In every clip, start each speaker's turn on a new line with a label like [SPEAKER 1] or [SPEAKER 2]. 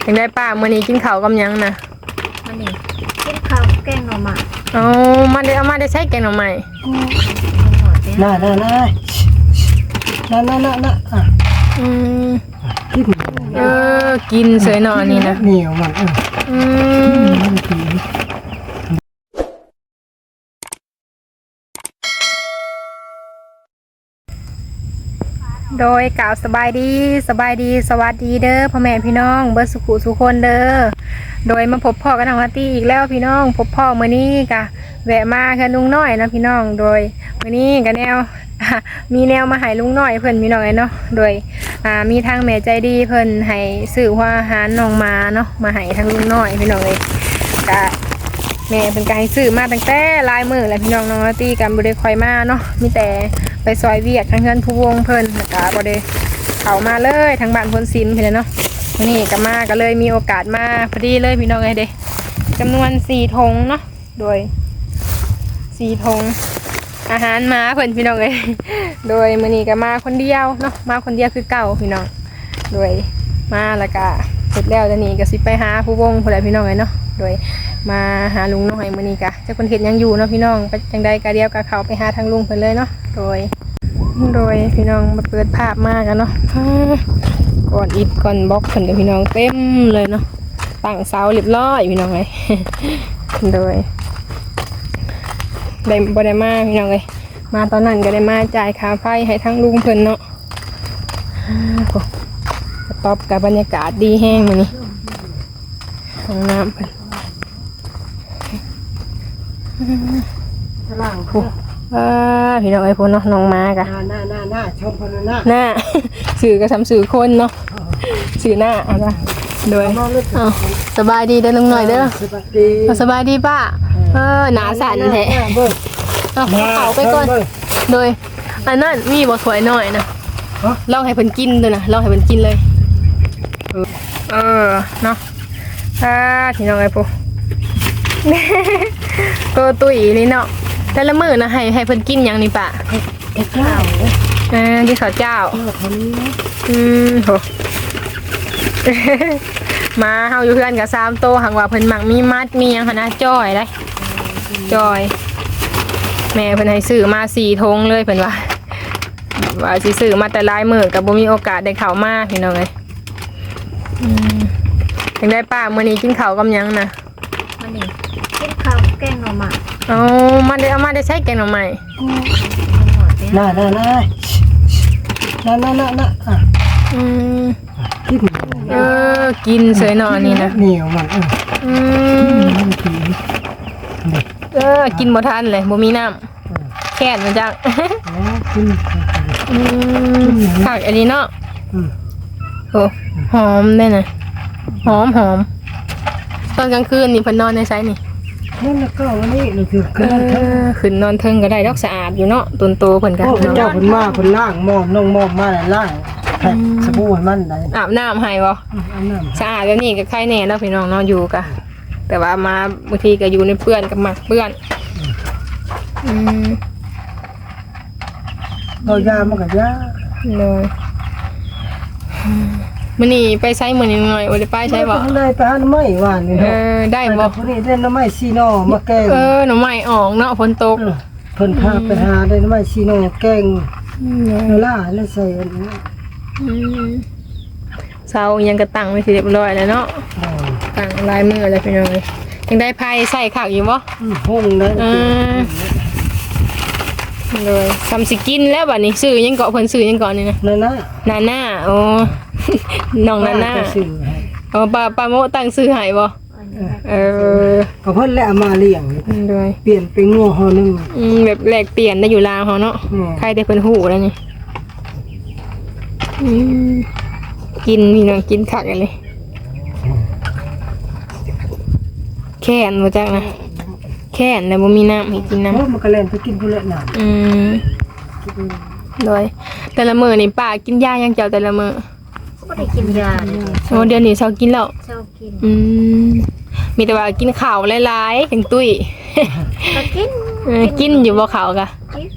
[SPEAKER 1] ยังได้ป้ามื้อนี้กินข้าวกับหยังนะ
[SPEAKER 2] มันนี่กินข้าวแกงหน่อไม้
[SPEAKER 1] อ๋อมาได้ใช้แกงหน่อไม้
[SPEAKER 3] น่าอ่ะ
[SPEAKER 1] อืม
[SPEAKER 3] กิน
[SPEAKER 1] กินเสยหน่อนี่นะ
[SPEAKER 3] เหนียวมัน
[SPEAKER 1] อืมโดยกล่าวสบายดีสวัสดีเด้อพ่อแม่พี่น้องเบิร์สุขุสุคนเด้อโดยมาพบพ่อกันทางวัดตีอีกแล้วพี่น้องพบพ่อมื้อนี้กะแวะมาค่ะลุงน้อยนะพี่น้องโดยมื้อนี้กะแนว มีแนวมาให้ลุงน้อยเพิ่นพี่น้องเนาะโดยมีทางแม่ใจดีเพิ่นให้ซื้อหัวอาหารน้องมาเนาะมาให้ทางลุงน้อยพี่น้องเลยกะแม่เป็นการให้ซื้อมาตั้งแต่ลายมือแล้วพี่น้องน้องตีกันบ่ได้ค่อยมาเนาะมีแต่ไปซอยเวียกทางเงินผู้วงเพิ่นแล้วก็บ่ได้เข้ามาเลยทางบ้านพลซิมพี่เนาะวันนี้ก็มาก็เลยมีโอกาสมาพอดีเลยพี่น้องเอ้ยเด้จำนวน4 ธงเนาะโดย4 ธงอาหารมาเพิ่นพี่น้องเอ้ยโดยมื้อนี้ก็มาคนเดียวเนาะมาคนเดียวคือเก่าพี่น้องโดยมาแล้วก็เสร็จแล้วจะนี่ก็สิไปหาผู้วงพุ่นแหละพี่น้องเอ้ยเนาะโดยมาหาลุงน้อยมื้อนี้ก็เจ้าคนเฮ็ดยังอยู่เนาะพี่น้องไปจังใดก็เดียวก็เข้าไปหาทางลุงเพิ่นเลยเนาะโดยพี่น้องมาเปิดภาพมากันเนาะก่อนอิฐก่อนบล็อกเพิ่นกับพี่น้องเต็มเลยเนาะตั้งเสาเรียบร้อยพี่น้องเอ้ยโดยได้บ่ได้มาพี่น้องเอ้ยมาตอนนั้นก็ได้มาจ่ายค่าไฟให้ทั้งลุงเพิ่นเนาะกระต๊อบกับบรรยากาศดีแห้งมื้อนี้ห้องน้ำเพิ่น
[SPEAKER 3] ล่างผู้
[SPEAKER 1] พี่น้องไอ้พวกเนาะน้องมากะ
[SPEAKER 3] หน้าชมคนหน้า
[SPEAKER 1] หน้าสื่อก็ทำสื่อคนเนาะสื่อหน้าอะไรโดยสบายดีเด้อลุงหน่อยเด้อสบายดีป้าหนาสั่นแท้เอาไปก่อนโดยอันนั้นมีบ่สวยหน่อยนะลองให้เพิ่นกินด้วยนะลองให้เพิ่นกินเลยเนาะพี่น้องไอ้พวกก็ตุ้ยนี่เนาะแต่ละมื้อนะให้เพิ่นกินหยังนี่ป่ะ
[SPEAKER 3] เจ้า
[SPEAKER 1] กินข้าวเจ้าโหมาเฮาอยู่เพื่อนกับ3 โตหังว่าเพิ่นมักมีมัดมีหยังหั่นนะจ้อยได้จ้อยแม่เพิ่นให้ซื้อมา4 ธงเลยเพิ่นว่าสิซื้อมาแต่หลายมื้อก็บ่มีโอกาสได้เข้ามาพี่น้องเอ้ยยังได้ป้ามื้อนี้กินข้าวกับหยังนะ
[SPEAKER 2] มันนี่กินข้าวแกงหน่อไม้
[SPEAKER 1] อ๋อมาได้ใช้แกงหน่อไม้
[SPEAKER 3] น่าอ่ะ
[SPEAKER 1] กินเสยหน่อนี่นะ
[SPEAKER 3] เหนียวมัน
[SPEAKER 1] กินบ่ทันเลยบ่มีน้ำแค่นมันจังผักอันนี้เนาะโอ้หอมได้นะหอมตอนกลางคืนนี่เพิ่นนอนในไซนี่
[SPEAKER 3] นั่นแล้วก็วันนี้นี่คือ
[SPEAKER 1] ขึ้นนอนเทิงก็ได้ดอกสะอาดอยู่เนาะต้นโตเพิ่นก็
[SPEAKER 3] เจ้าเพิ่นมาเพิ่นล้างหม้อน้องหม้อมาล้างสบู่มันได้
[SPEAKER 1] อาบน้ำให้บ่สะอาดแบบนี้ก็ใครแน่เนาะพี่น้องเนาะอยู่กะแต่ว่ามาบางทีก็อยู่ในเปื้อนกับหมักเปื้อน
[SPEAKER 3] เอายามากับยา
[SPEAKER 1] เลยมื้อนี้ไปใช้มื้อนี้หน่อยบ่ได้ไปใช้บ่
[SPEAKER 3] ได้ไปหาหน่อไม้หวานนี่
[SPEAKER 1] ได้บ่
[SPEAKER 3] คนนี้ได้หน่อไม้ซีโนมาแกง
[SPEAKER 1] หน่อไม้ออกเนาะฝนตก
[SPEAKER 3] เพิ่นพาไปหาได้หน่อไม้ซีโนแกงล่าแล้วใส่อันนี้
[SPEAKER 1] เซายังกระตั้งไว้สิเรียบร้อยแล้วเนาะตั้งลายมืออะไรพี่น้องเอ้ยยังได้ไผใส่ข้าวอยู่บ่
[SPEAKER 3] ห้องได้
[SPEAKER 1] เลยทำสิกินแล้วบัดนี้ซื้อยังเกาะเพิ่นซื้อยังเกาะนี่นะนาน่าโอ้น้องนาน่าป้าโมตั้งซื้อให้บ่
[SPEAKER 3] ก็เพิ่นแล้วมาเลี้ยง
[SPEAKER 1] ด้วย
[SPEAKER 3] เปลี่ยนเป็นงัวห่อนึง
[SPEAKER 1] แบบแลกเปลี่ยนได้อยู่ลาวเฮาเนาะใครได้เพิ่นฮู้แล้วนี่กินนี่น้องกินคักเลยแค่นบ่จักนะแค่นแล้วบ่มีน้ำให้กินน้ำ
[SPEAKER 3] มันก็เล่นไปกินพุ่นละน้
[SPEAKER 1] โดยแต่ละมื้อนี่ป้ากินยายังเจ้าแต่ละมื้อ
[SPEAKER 2] บ่ได้กินยา
[SPEAKER 1] โอ้เดี๋ยวนี้เช้ากินแล้ว
[SPEAKER 2] เช้ากิน
[SPEAKER 1] มีแต่ว่ากินข้าวหลายๆจังตุ้ย
[SPEAKER 2] ก็
[SPEAKER 1] กินอยู่บ่ข้าวกะ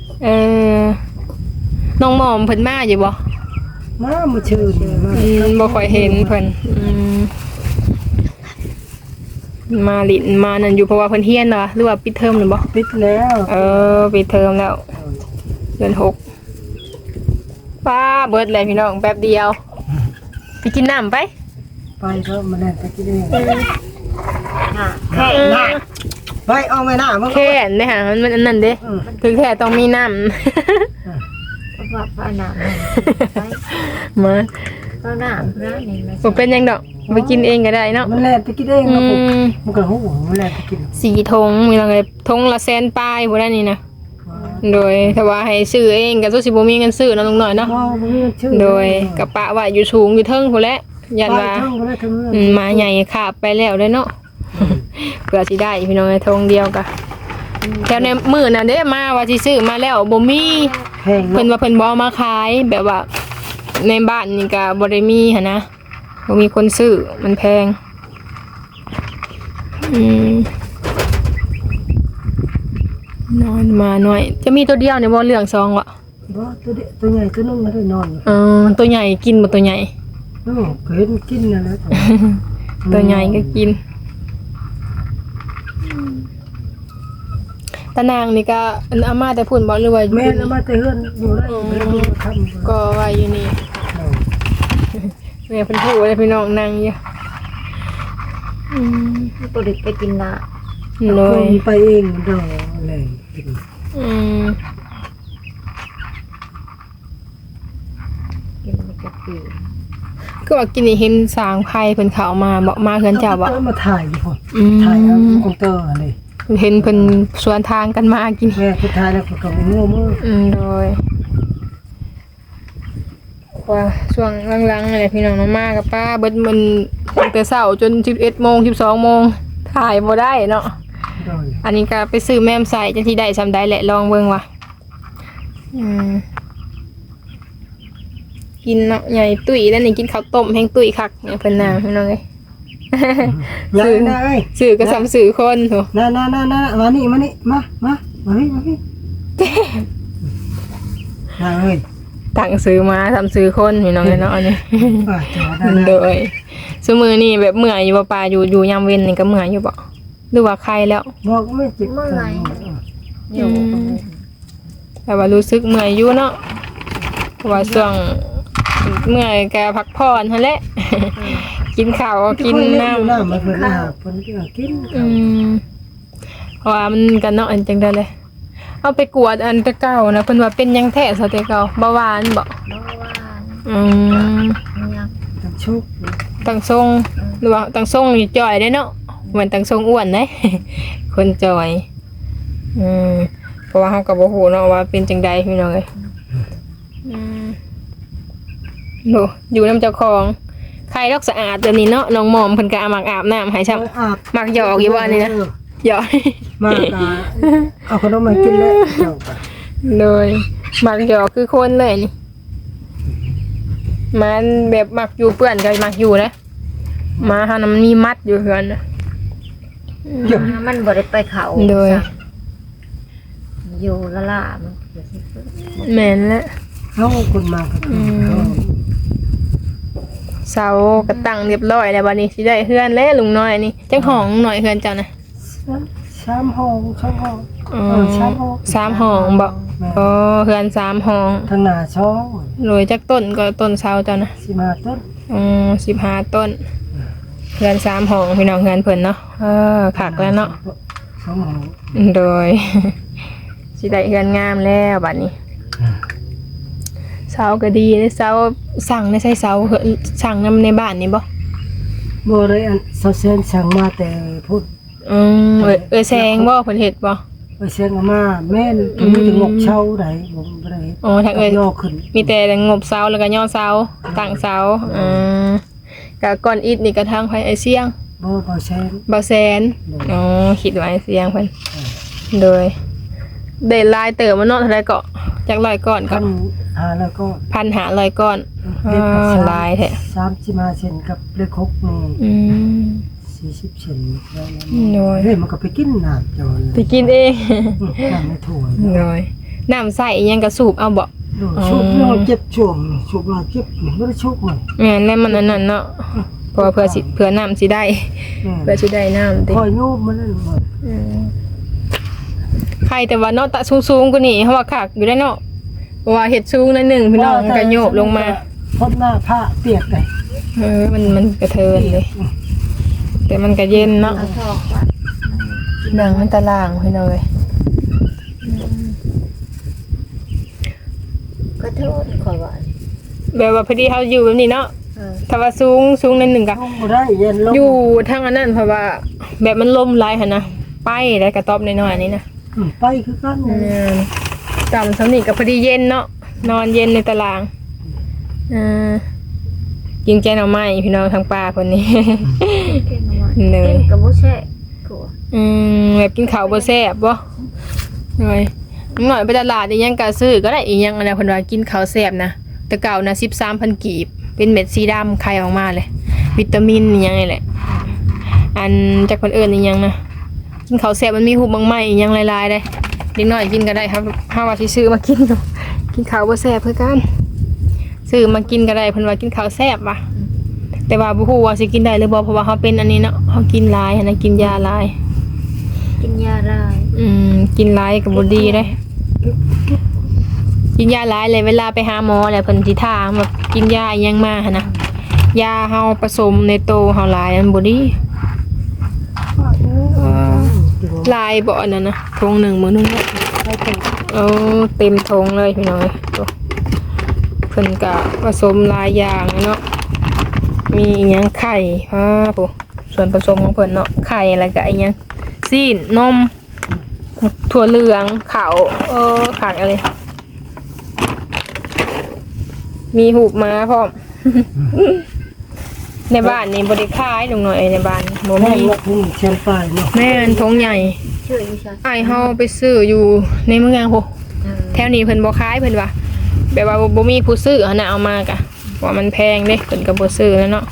[SPEAKER 1] น้องหม่อมเพิ่นมาอยู่บ่
[SPEAKER 3] มาชื่อ
[SPEAKER 1] บ่ค่อยเห็นเพิ่นมาลิ้นมานั่นอยู่เพราะว่าเพิ่นเฮียนเหรอหรือว่าปิดเทอมหรือบ่
[SPEAKER 3] ปิดแล้ว
[SPEAKER 1] ปิดเทอมแล้วเดือน6ป้าเบิดเลยพี่น้องแป๊บเดียวไปกินน้ำไป
[SPEAKER 3] ไปก็มาแล่นไปกินเอง
[SPEAKER 2] น่ะแค่
[SPEAKER 3] ไปเอาไม่น่ามึง
[SPEAKER 1] แค่นเด้อค่ะมันอันนั้นเด้ถึงแค่ต้องมีน้ำ
[SPEAKER 2] ว่าพระนามไป
[SPEAKER 1] มา
[SPEAKER 2] พระนามพระนี่มา
[SPEAKER 1] บ่เป็นหยังดอกไปกินเองก็ได้เนาะ
[SPEAKER 3] มันแล่นไปกินเองครับผมมันก็หูมันแล่นไปกิน
[SPEAKER 1] 4 ธงมีว่าไงธงละแสนปลายบ่ได้นี่นะโดยถ้าว่าให้ซื้อเองก็สิบ่มีเงินซื้อเนาะลุงน้อยเนาะ
[SPEAKER 3] อ๋อมันชื่อ
[SPEAKER 1] โดยกระปะว่าอยู่สูงอยู่เทิงพุ่นแหละยันว่า
[SPEAKER 3] ไปเท่าก็ได้ทั้งนั้น
[SPEAKER 1] มาใหญ่ขาบไปแล้วเด้อเนาะเพื่อสิได้พี่น้องไอ้ธงเดียวกะแถวในมื้อน่ะเด้มาว่าสิซื้อมาแล้วบ่มี
[SPEAKER 3] แพง
[SPEAKER 1] เพิ่น
[SPEAKER 3] เนาะ
[SPEAKER 1] ว่าเพิ่นบ่เอามาขายแบบว่าในบ้านนี่ก็บ่ได้มีหั่นนะบ่มีคนซื้อมันแพงนอนมาหน่อย จะมีตัวเดียวเนี่ยบ่เรื่องซองวะ
[SPEAKER 3] บ่ตัวเด็กตัวใหญ่ตัวนึงมันได้นอนอยู่
[SPEAKER 1] ตัวใหญ่กินบ่ตัวใหญ่
[SPEAKER 3] โอ้ก็เห็นกินนั่นแหละ
[SPEAKER 1] ตัวใหญ่ก็กินตะนางนี่ก็อันอาม่าแต่พุ่นบ่หรือว่า
[SPEAKER 3] แม่นเอามาแต่เฮือนอยู่ได้แม่ดูทำ
[SPEAKER 1] ก็ว่าอยู่นี่แม่เพิ่นพูดว่าพี่น้องนั่งอยู่
[SPEAKER 2] ตัวเด็กไปกินละ
[SPEAKER 1] เล
[SPEAKER 3] ค
[SPEAKER 1] ย
[SPEAKER 3] นไปเองดอกเลยกิน
[SPEAKER 2] กินไปกับปี
[SPEAKER 1] ก็ว่ากินนี่เห็นสางไผเพิ่นเข้ามาบอกมาเฮือนเจ้าบ่
[SPEAKER 3] มาถ่ายอยู่พุ่นถ่ายเอาคอมพิวเตอร์เลย
[SPEAKER 1] เห็นเพิ่นสวนทางกันมากิน
[SPEAKER 3] แม่สุดท้ายแล้วก็งูมือ
[SPEAKER 1] โดยว่าช่วงหลังๆอะไรพี่น้องน้องมากับป้าเบิดมันตั้งแต่เช้าจน11 โมง 12 โมงถ่ายบ่ได้เนาะ
[SPEAKER 3] โดย
[SPEAKER 1] อันนี้ก็ไปซื้อแม่มใส่จังที่ได้ซำได้แหละลองเบิ่งว่ะกินเนาะใหญ่ตุ้ยแล้วนี่กินข้าวต้มแห้งตุ้ยคักเนี่ยเพิ่นน่ะพี่น้องเอ้ย
[SPEAKER 3] อย่านะเอ้ย
[SPEAKER 1] สื่อก็ซ้ำสื่อคนโห
[SPEAKER 3] น่ามานี่มาพี่น่าเอ้ย
[SPEAKER 1] ตั้งซื้อมาซ้ำสื่อคนพี่น้องเอ้ยเนาะอันนี้
[SPEAKER 3] จอได้
[SPEAKER 1] โดยซุมื้อนี้แบบเมื่อยอยู่บ่ป่าอยู่ยามเว้นนี่ก็เมื่อยอยู่บ่หรือว่าใครแล้ว
[SPEAKER 3] บอกไม่จิต
[SPEAKER 2] อยู่
[SPEAKER 1] แต่ว่ารู้สึกเมื่อยอยู่เนาะเพราะว่าช่วงเมื่อยก็พักผ่อนหั่นแหละ กินข้าวกินน้ำ
[SPEAKER 3] น้ำมาเพิ่นเพิ่นกิน
[SPEAKER 1] เพราะว่ามันกันเนาะอันจังได้เลยเอาไปกวดอันแต่เก่านะเพิ่นว่าเป็นหยังแท้ซะแต่เก่าเบาหวานบ่
[SPEAKER 2] เพราะว่า
[SPEAKER 1] ม
[SPEAKER 2] ยัง
[SPEAKER 3] ทั้งชุก
[SPEAKER 1] ตั้งทรงหรือว่าตั้งทรงนี่จ่อยได้เนาะเหมือนตั้งทรงอ้วนเด้ คนจ่อยเพราะว่าเฮาก็บ่ฮู้เนาะว่าเป็นจังใดพี่น้องเอ้ยโหอยู่นำเจ้าของใครรักสะอาดเดี๋ยวนี้เนาะน้องหมอมเพิ่นก็มักอาบน้ำให้ชับ
[SPEAKER 3] อาบ
[SPEAKER 1] มักหยอกอยู่ว่านี่นะหยอก
[SPEAKER 3] มากเอาขนมมากินแล้ว
[SPEAKER 1] เลยมักหยอกคือคนเลยนี่มันแบบมักอยู่เปื้อนก็มักอยู่นะมาหามันมีมัดอยู่เฮือนนะ
[SPEAKER 2] มันบ่ได้ไปเขา
[SPEAKER 1] โดย
[SPEAKER 2] อยู่ละล่ะมัน
[SPEAKER 1] แม่นแล้ว
[SPEAKER 3] เขาคนมาก็คือ
[SPEAKER 1] เสากระตั้งเรียบร้อยแล้วบัดนี้สิได้เฮือนแล้วลุงน้อยนี่จังห้องหน่อยเฮือนเจ้านะ
[SPEAKER 3] 3 ห้อง2 ห้อง 3 ห้อง
[SPEAKER 1] 3 ห้องบ่เฮือน3 ห้อง
[SPEAKER 3] ทางหน้าช่อง
[SPEAKER 1] โรยจักต้นก็ต้นเสาเจ้านะ
[SPEAKER 3] 15 ต้น
[SPEAKER 1] 15 ต้นเฮือน3 ห้องพี่น้องเฮือนเพิ่นเนาะคักแล้วเนาะ
[SPEAKER 3] 2 ห้อง
[SPEAKER 1] โดย สิได้เฮือนงามแล้วบัดนี้เสาก็ดีเลยเสาสั่งได้ใช้เสาเหอะสั่งนำในบ้านนี่บ่
[SPEAKER 3] บ่ได้อันเซาเซนสั่งมาแต่พูด
[SPEAKER 1] แซงบ่เพิ่นเฮ็ดบ่
[SPEAKER 3] ไปเสียงมาแม่นมีแต่งกเช่าได้บ่ได้
[SPEAKER 1] อ๋อถ้าเอ้ย
[SPEAKER 3] ย่อขึ้น
[SPEAKER 1] มีแต่งบเสาแล้วก็ย่อเสาตั้งเสาก็ก้อนอิฐนี่ก็ทางไผไอเสียง
[SPEAKER 3] บ่แซน
[SPEAKER 1] บ่แซนอ๋อคิดว่าไอเสียงเพิ่นโดยได้ลายเติมมาเนาะเท่าใดก็จัก100ก้อนก็
[SPEAKER 3] กันหาแล้วก็
[SPEAKER 1] 1,500ก้อนลายแท้
[SPEAKER 3] 35เซนกับเลข6นี่40เซนแล้วนะ
[SPEAKER 1] โดย
[SPEAKER 3] เฮ้ยมันก็ไปกินน้ำเจ้าเลย
[SPEAKER 1] ไปกินเอง
[SPEAKER 3] น้ำในถ้วย
[SPEAKER 1] โดยน้ำใส่อิหยังก็สูบเอาบ่
[SPEAKER 3] ชุบเราเจ็บช่วงชุบเราเจ็บบ่ได้ชุบมัน
[SPEAKER 1] แม่นแล้วมันอันนั้นเนาะเพราะว่าเพื่อน้ำสิได้เพื่อสิได้น้ำติ
[SPEAKER 3] คอยโยมมันนั่นหมด
[SPEAKER 1] ใครแต่ว่าเนาะตะสูงๆกว่านี้เพราะว่าคักอยู่ได้เนาะเพราะว่าเฮ็ดสูงนั่นหนึงพี่น้องก็โยบลงมา
[SPEAKER 3] พบหน้าผ้าเปียกเลย
[SPEAKER 1] มันกระเทินเลย แต่มันก็เย็นเนาะ
[SPEAKER 2] เอาทอกว่า
[SPEAKER 1] ดังมันตารางพี่น้องเอ้ย
[SPEAKER 2] ก็โทษขอยว่า
[SPEAKER 1] แบบว่าพอดีเฮาอยู่แบบนี้เนาะถ้าว่าสูงนั่นหนึงก็
[SPEAKER 3] ลงบ่ได้เย็นลง
[SPEAKER 1] อยู่ทางอันนั้นเพราะว่าแบบมันลมหลายหั่นนะไปได้กระต๊อบน้อยๆนี่นะ
[SPEAKER 3] ไปคือกัน
[SPEAKER 1] ต่ำสำนีกับพอดีเย็นเนาะนอนเย็นในตารางกินแกงหน่อไม้พี่น้องทางป่าคนนี้
[SPEAKER 2] เก่งมาก
[SPEAKER 1] เหนื่อย
[SPEAKER 2] เก่งกับบ่แช่กลัว
[SPEAKER 1] แบบกินข้าวบ่แซ่บบ่หน่อยไปตลาดอีหยังก็ซื้อก็ได้อีหยังอะไรเพิ่นว่ากินข้าวแซ่บนะแต่เก่านะ 13,000 กีบเป็นเม็ดสีดำไข่ออกมาเลยวิตามินอีหยังนี่แหละอันจากคนอื่นอีหยังนะกินข้าวแซ่บมันมีหูบางไม้อีหยังหลายๆได้เด็กน้อยกินก็ได้ครับถ้าว่าสิซื้อมากินก็กินข้าวบ่แซ่บคือกันซื้อมากินก็ได้เพิ่นว่ากินข้าวแซ่บว่ะแต่ว่าบ่ฮู้ว่าสิกินได้หรือบ่เพราะว่าเฮาเป็นอันนี้เนาะเฮากินหลายหันนะกินยาหลาย
[SPEAKER 2] กินยาลาย
[SPEAKER 1] กินหลายก็บ่ดีเด้กินยาหลายเลยเวลาไปหาหมอแล้วเพิ่นสิถามว่ากินยาอิหยังมาหั่นนะยาเฮาผสมในโตเฮาหลายมันบ่ดีหลายบ่อันนั้นนะทงหนึงมื้อนึงเต็มทงเลยพี่น้องเอ้ยโตเพิ่นก็ผสมหลายอย่างเนาะมีอิหยังไข่ปุ๊ส่วนผสมของเพิ่นเนาะไข่แล้วก็อิหยังซีนนมถั่วเหลืองข้าวขาดอะไรมีหูบม้าพร้อม ในบ้านนี่บริคายลงหน่อยในบ้านบ่
[SPEAKER 3] แม่
[SPEAKER 1] มี
[SPEAKER 3] ละนี่เชียงปลายเนาะ
[SPEAKER 1] แม่นทงใหญ่
[SPEAKER 2] ชื่ออยู่ซะ
[SPEAKER 1] อ้ายเฮาไปซื้ออยู่ในเมืองโหแถวนี้เพิ่นบ่ขายเพิ่นว่าแบบว่าบ่มีผู้ซื้อหั่นน่ะเอามากะว่ามันแพงเด้เพิ่นก็บ่ซื้อแล้วเนาะ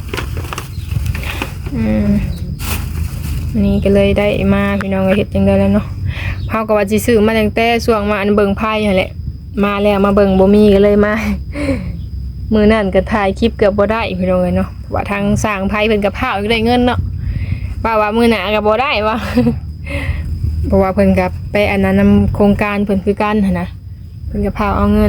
[SPEAKER 1] นี่ก็เลยได้มาพี่น้องก็เฮ็ดจังได๋แล้วเนาะเฮาก็ว่าสิซื้อมาตั้งแต่ช่วงมาอันเบิ่งไพ่นั่นแหละมาแล้วมาเบิ่งบ่มีก็เลยมา มื้อนั้นก็ถ่ายคลิปเกือบบ่ได้พี่น้องเอ้ยเนาะว่าทางสร้างไพ่เพิ่นก็พาเอาได้เงินเนาะว่ามื้อหน้าก็บ่ได้ว่า เพราะว่าเพิ่นก็ไปอันนั้นนำโครงการเพิ่นคือกันหั่นนะเพิ่นก็พาเอาเงิน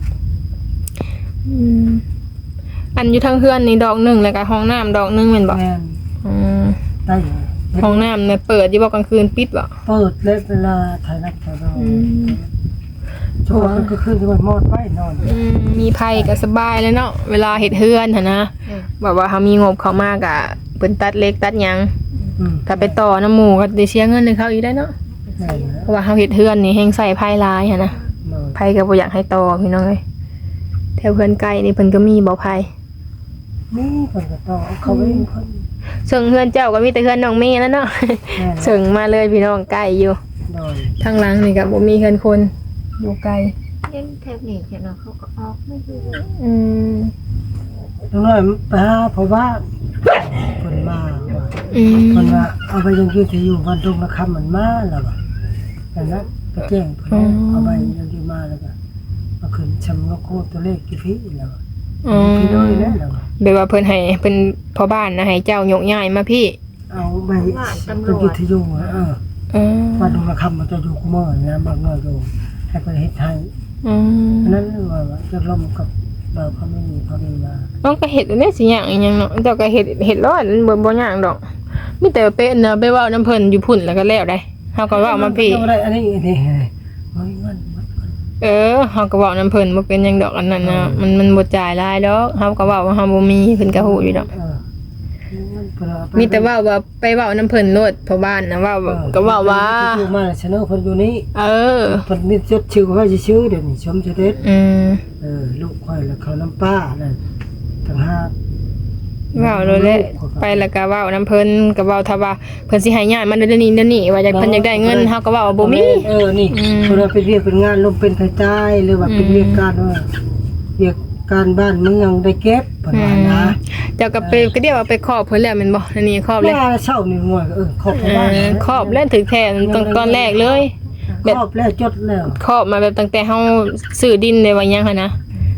[SPEAKER 1] อันอยู่ทางเฮือนนี่ดอกหนึงแล้วก็ห้องน้ำดอกหนึงแม่นบ่
[SPEAKER 3] แม่นได้
[SPEAKER 1] ห้องน้ำเนี่ยเปิดอยู่บ่กลางคืนปิดบ่
[SPEAKER 3] เปิดเล็เวลาถ่ายนักถ่ายเราช่วงก็ขึ้นที่มันมอดไปนอน
[SPEAKER 1] มีไผก็สบายเลยเนาะเวลาเฮ็ดเฮือนหั่นนะแบบว่าเฮามีงบเข้ามาก็เพิ่นตัดเล็กตัดหยังถ้าไปต่อน้ำหมู่ก็ได้เสียเงินให้เขาอีกได้เนาะเพราะว่าเฮาเฮ็ดเฮือนนี่แฮงใส่ไผหลายหั่นนะไผก็บ่อยากให้ต่อพี่น้องเอ้ยแถวเฮือนใกล้นี่เพิ่นก็มีบ่ไผ
[SPEAKER 3] นี่คนก็ต้องเขาไม่มีคน
[SPEAKER 1] ซึ่งเฮือนเจ้าก็มีแต่เฮือนน้องเมย์แล้วเนาะ ซึ่งมาเลยพี่น้องใกล้อยู่
[SPEAKER 3] โดย
[SPEAKER 1] ทางหลังนี่ก็บ่มีเฮือนคนอยู่ไกล
[SPEAKER 2] เล่นแทบนี่จะเนาะเขาก็ออกไม่รู้
[SPEAKER 3] ตรงนั้นไปหาเพราะว่าคนมาว่า คนว่าเอาไปยังยืนที่อยู่วันตรงนะคำมันมาแล้วว่ะแต่นั้นไปแจ้งเพิ่นเอาไปยังยืนมาแล้วก็เอาขึ้นชำนกโคตัวเลขกี่พี่แล้วพี่น้อยแล้วแล้ว
[SPEAKER 1] แบบว่าเพิ่นให้เพิ่นพ่อบ้านนะให้เจ้ายกย้ายมาพี่
[SPEAKER 3] เอาไปเป็นยืนที่อยู่วันตรงนะคำมันจะอยู่กุมารนะบางน้อยอยู่ให้ไปเฮ็ดให้นั้นว่าจะล้มกับเราเขาไม่มีเขาดีมา
[SPEAKER 1] น้องก็เฮ็ดอันนี้สิหยังอีหยังเนาะเจ้าก็เฮ็ดร้อนบ่หยังดอกมีแต่เป็นนะไปเว้านํเพิ่นอยู่พุ่นแล้วก็แล้วได้เฮาก็เว้ามาพี่
[SPEAKER 3] อะไรอันนี้นี่เฮ้ยเงิน
[SPEAKER 1] เฮาก็เว้านํเพิ่นบ่เป็นหยังดอกอันนั้นนะมันบ่จ่ายหลายดอกเฮาก็เว้าว่าเฮาบ่มีเพิ่นก็ฮู้อยู่ดอกมีแต่ว่าไปเว้านํเพิ่นโลดพ่อบ้านนะว่าก็เว้าว่า
[SPEAKER 3] อยู่มาชนะเพิ่นอยู่นี่
[SPEAKER 1] เ
[SPEAKER 3] พิ่นมีจดชื่อว่าสิชื่อเดี๋ยวนี้ชมจะเด็ด ลูกข่อยแล้วเขาน้ำป้านั่นต่างหาก
[SPEAKER 1] เว้าเลยแหละไปแล้วก็เว้านํเพิ่นก็เว้าถ้าว่าเพิ่นสิให้ย้ายมาเดี๋ยวนี้ว่าอยากเพิ่นอยากได้เงินเฮาก็เว้าว่าบ่มี
[SPEAKER 3] นี่เพิ่นว่าเป็นเวียกเป็นงานลมเป็นไผใต้หรือว่าเป็นเวียกการเวียกการบ้านเมืองได้เก็บเพิ่นว่านะ
[SPEAKER 1] เจ้าก็ไปก็เดียวว่าไปครอบเพิ่นแล้วแม่นบ่อันนี้ครอบเลย
[SPEAKER 3] เช้านี่ง่วยครอบบ้าน
[SPEAKER 1] ครอบแล้วถึงแท้ตอนแรกเลย
[SPEAKER 3] ครอบแล้วจดแล้ว
[SPEAKER 1] ครอบมาแบบตั้งแต่เฮาซื้อดินได้ว่าหยังหั่นนะ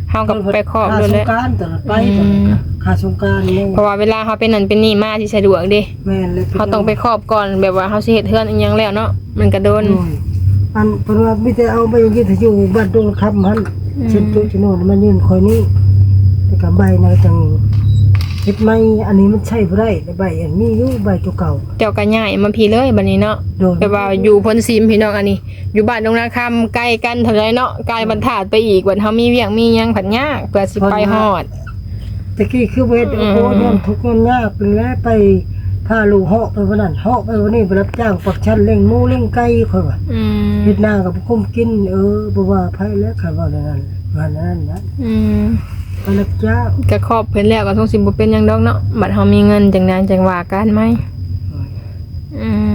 [SPEAKER 1] เฮากับไปครอบ
[SPEAKER 3] ค่า
[SPEAKER 1] ด้วย
[SPEAKER 3] ส
[SPEAKER 1] เล
[SPEAKER 3] ง
[SPEAKER 1] ย
[SPEAKER 3] กรานต์ตลอดไปตลอดค่าสงกรานต์นี่
[SPEAKER 1] เพราะว่าเวลาเฮาเป็นนั่นเป็นนี่มาที่สะดวกเด้
[SPEAKER 3] แม่นเลย
[SPEAKER 1] เฮาต้องไปครอบก่อนแบบว่าเฮาสิเฮ็ดเฮือนอีหยังแล้วเนาะมันก็โดน
[SPEAKER 3] โอ้ยอันเพิ่นว่ามีแต่เอาไปอย่างนี้ถ้าอยู่บ้านตรงคำหั่นเช่นจุโน่นมันยืนคอยนี้แต่กับใบนะจังเฮ็ดไม่อันนี้มันใช้บ่ได้แต่ใบอันนี้อยู่ใบตัวเก่า
[SPEAKER 1] เจ้าก็ย้ายมาพี่เลยบัดนี้เนาะ
[SPEAKER 3] โดน
[SPEAKER 1] แบบว่าอยู่พ้นซีมพี่น้องอันนี้ อยู่บ้านตรงนาคำใกล้กันเท่าไรเนาะไกลบรรทัดไปอีกวันเฮามีเวียงมีหยังผันยากเพื่อสิไปฮอด
[SPEAKER 3] ตะกี้คือเวทโอ้โหนอนทุกข์นอนยากเป็นแล้วไปพาลูกเหาะไปวันนั้นเหาะไปวันนี้ไปรับจ้างปักชันเลี้ยงหมูเลี้ยงไก่ค่อยว่า
[SPEAKER 1] อืม
[SPEAKER 3] เฮ็ดนากับกุ้มกินบ่ว่าไผแล้วค่ะว่าอย่างนั้นว่านั้นนะ
[SPEAKER 1] อืม
[SPEAKER 3] ไปรับจ้าง
[SPEAKER 1] ก็ครอบเพิ่นแล้วก็ทงสิบ่เป็นหยังดอกเนาะบัดเฮามีเงินจังนั้นจังว่ากันไหมอืม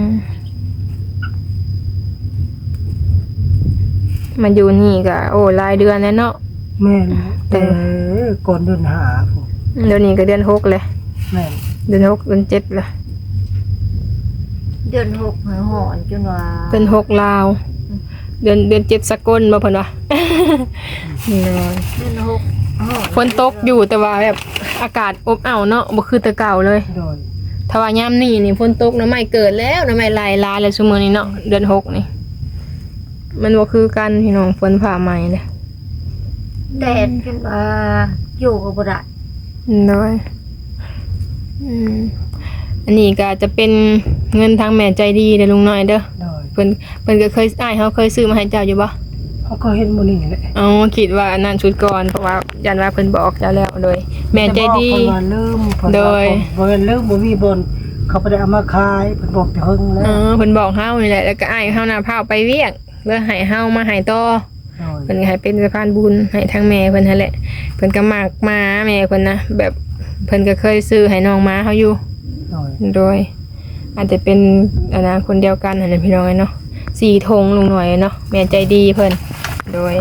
[SPEAKER 1] มาอยู่นี่ก็โอ้หลายเดือนแล้วเนาะ
[SPEAKER 3] แม่นแต่ก่อนเดินหาพุ่น
[SPEAKER 1] เดี๋ยวนี้ก็เดือน6เลย
[SPEAKER 3] แม่น
[SPEAKER 1] เดือน6เดือน7ละ
[SPEAKER 2] เดือนหกหาหอนจนว่า
[SPEAKER 1] เดือน6ลาวเดือน7สกลบ่เพิ่นว่า นี่เนาะ
[SPEAKER 2] เดือนหกหอน
[SPEAKER 1] ฝนตกอยู่แต่ว่าแบบอากาศอบอ้าวเนาะบ่คือแต่เก่าเลย
[SPEAKER 3] โดย
[SPEAKER 1] ถ้าว่ายามนี้นี่ฝนตกน้ำไม้เกิดแล้วน้ำไม้ไหลลายแล้วซุมื้อนี้เนาะเดือน6นี่มันบ่คือกันพี่น้องฝนผ่าใหม่เด้
[SPEAKER 2] แดดจนว่าอยู่กับบ่ได้
[SPEAKER 1] น้อยอันนี้ก็จะเป็นเงินทางแม่ใจดีเด้อลุงน้อยเด้อ
[SPEAKER 3] โดย
[SPEAKER 1] เพิ่นก็เคยอ้ายเฮาเคยซื้อมาให้เจ้าอยู่บ่
[SPEAKER 3] เขาก็เห็นมื้อนี้แหละ
[SPEAKER 1] อ๋อคิดว่าอันนั้นชุดก่อนเพราะว่ายันว่าเพิ่นบอกเจ้าแล้วโดยแม่ใจดี
[SPEAKER 3] แต่บอกเพิ่นว่าลืมเพิ่น
[SPEAKER 1] โด
[SPEAKER 3] ว่าย บ่แม่นลืมบ่มีบนเขาบ่ได้เอามาขายเพิ่นบอกแต่เฮิงแล้ว
[SPEAKER 1] เพิ่นบอกเฮานี่แหละแล้วก็อ้ายเฮาน่ะพาไปเวียกเพื่อให้เฮามาให้ต่อ
[SPEAKER 3] โดย
[SPEAKER 1] เพิ่นก็ให้เป็นสะพานบุญให้ทางแม่เพิ่นนั่นแหละเพิ่นก็มักมาแม่เพิ่นนะแบบเพิ่นก็เคยซื้อให้น้องม้าเฮาอยู่
[SPEAKER 3] โดย
[SPEAKER 1] โดย อาจจะเป็นอันนะคนเดียวกันนั่นแหละพี่น้องเนาะ4ธงลุงหน่อยเนาะแม่ใจดีเพิ่นโดย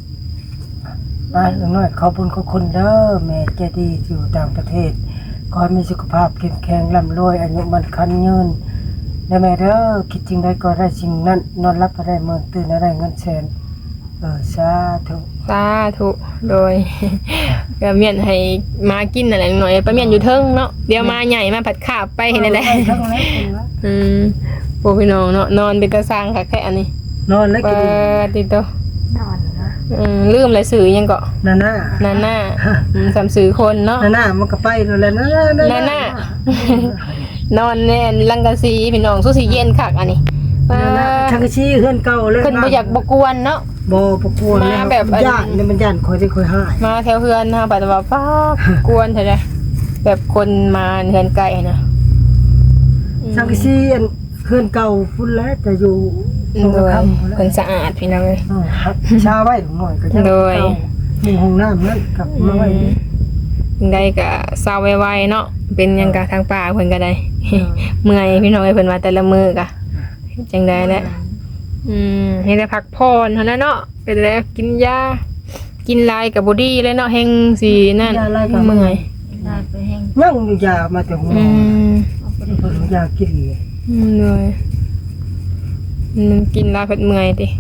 [SPEAKER 3] อย่างน้อยขอบคุณขอบคุณเด้อแม่ใจดีอยู่ต่างประเทศขอให้มีสุขภาพเข้มแข็งร่ำรวยอายุมันคันยืนและแม่เด้อคิดจริงได้ก็ได้สิ่งนั้นนอนรับก็ได้เมื่อตื่นได้เงินแสนสาธุ
[SPEAKER 1] สาธุโดย ก็เมียนให้มากินนั่นแหละลุงหน่อยไปเมียนอยู่เทิงเนาะเดี๋ยวมาใหญ่มาผัดขาบไปเห็นนั่นแหละ
[SPEAKER 3] ทั้งนั้นเป็นวะ
[SPEAKER 1] พวกพี่น้องเนาะนอนเป็นตาสร้างค่ะแค่อันนี้
[SPEAKER 3] นอนแล้ว
[SPEAKER 1] เปิ
[SPEAKER 3] กิน
[SPEAKER 1] ดติดตัวน
[SPEAKER 2] อนนะ
[SPEAKER 1] ลืมอะไรสื่อยังเกาะ
[SPEAKER 3] นาน่า
[SPEAKER 1] นาน่าสามสื่อคนเนาะ
[SPEAKER 3] นาน่ามันก็ไปแล้วนาน่า
[SPEAKER 1] นาน่า นอนแน่นลังกะซีพี่น้องสู้สีเย็นคักอันนี้
[SPEAKER 3] นาน่าชักชี้เฮือนเก่าเลย
[SPEAKER 1] ขึ้นบ่อยากบกวนเนาะ
[SPEAKER 3] บ่ประกวน
[SPEAKER 1] มาแบบ
[SPEAKER 3] ย่านเนี่ยมันย่านคอยที่คอยหาย
[SPEAKER 1] มาแถวเฮือนนะปัดว่าป้ากวนเถอะเลยแบบคนมาเฮือนไกลนะ
[SPEAKER 3] ชักชี้เฮือนเก่าพุ่นแล้วแต่อยู่ตรง
[SPEAKER 1] โดย
[SPEAKER 3] คำ
[SPEAKER 1] เพิ่นสะอาดพี่น้องเลย
[SPEAKER 3] ชาไว้หน่อยก็จะ
[SPEAKER 1] โดย
[SPEAKER 3] มีห้องน้ำนั่นกลับมาไว้
[SPEAKER 1] ได้ก็เศร้าไวๆเนาะเป็นหยังกะทางป่าเพิ่นก็ได้ เมื่อยพี่น้องเอ้ยเพิ่นว่าแต่ละมื้อกะจังได๋แหละให้ได้พักผ่อนเท่านั้นเนาะเป็นแล้วกินยากินหลายก็บ่ดีเลยเนาะแฮงสินั่นเมื่อย
[SPEAKER 2] ได้ไปแห้ง
[SPEAKER 3] นั่งอยู่ยามาแต่หัว
[SPEAKER 2] เอาไป
[SPEAKER 3] เพิ่นยากินเลย
[SPEAKER 1] เลยกินหลายเพิ่นเมื่อยติ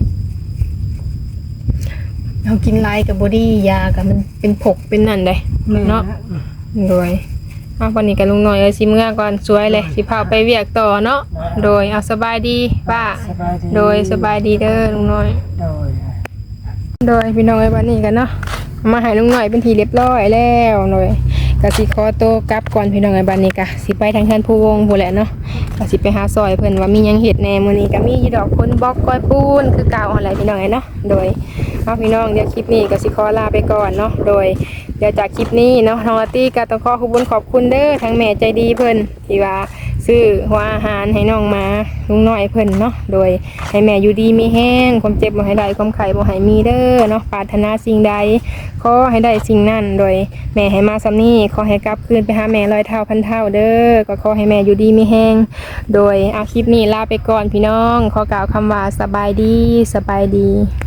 [SPEAKER 1] เฮากินหลายก็บ่ดียาก็มันเป็นผกเป็นนั่นได้ เนาะ โดยเอาวันนี้กับลุงหน่อยสิเมื่อก่อนสวยเลยสิพาไปเวียกต่อเนาะโดยเอาสบายดีป้า
[SPEAKER 3] สบายดี
[SPEAKER 1] โดยสบายดีเด้อลุงหน่อย
[SPEAKER 3] โดย
[SPEAKER 1] โดยพี่น้องไอ้วันนี้กันเนาะมาให้ลุงหน่อยเป็นทีเรียบร้อยแล้วโดยกสิขอโตวกลับก่อนพี่น้องไอ้บันนี้กะสิไปทางเฮือนผู้วงผู้แหละเนาะกสิไปหาซอยเพิ่นว่ามีหยังเฮ็ดแหน่มื้อนี้ก็มีอยู่ดอกคนบล็อกก้อยปูนคือเก่าอะไรพี่น้องไอ้เนาะโดยเอาพี่น้องเดี๋ยวคลิปนี้ก็สิขอลาไปก่อนเนาะโดยเดี๋ยวจากคลิปนี้เนาะน้องอาร์ตี้ก็ต้องขอขอบคุณเด้อทั้งแม่ใจดีเพิ่นที่ว่าซื้อหัวอาหารให้น้องมาลุงน้อยเพิ่นเนาะโดยให้แม่อยู่ดีมีแห้งความเจ็บบ่ให้ได้ความไข้บ่ให้มีเด้อเนาะปรารถนาสิ่งใดขอให้ได้สิ่งนั้นโดยแม่ให้มาซ้ำนี้ขอให้กลับคืนไปหาแม่ร้อยเท่าพันเท่าเด้อก็ขอให้แม่อยู่ดีมีแห้งโดยเอาคลิปนี้ลาไปก่อนพี่น้องขอกล่าวคำว่าสบายดี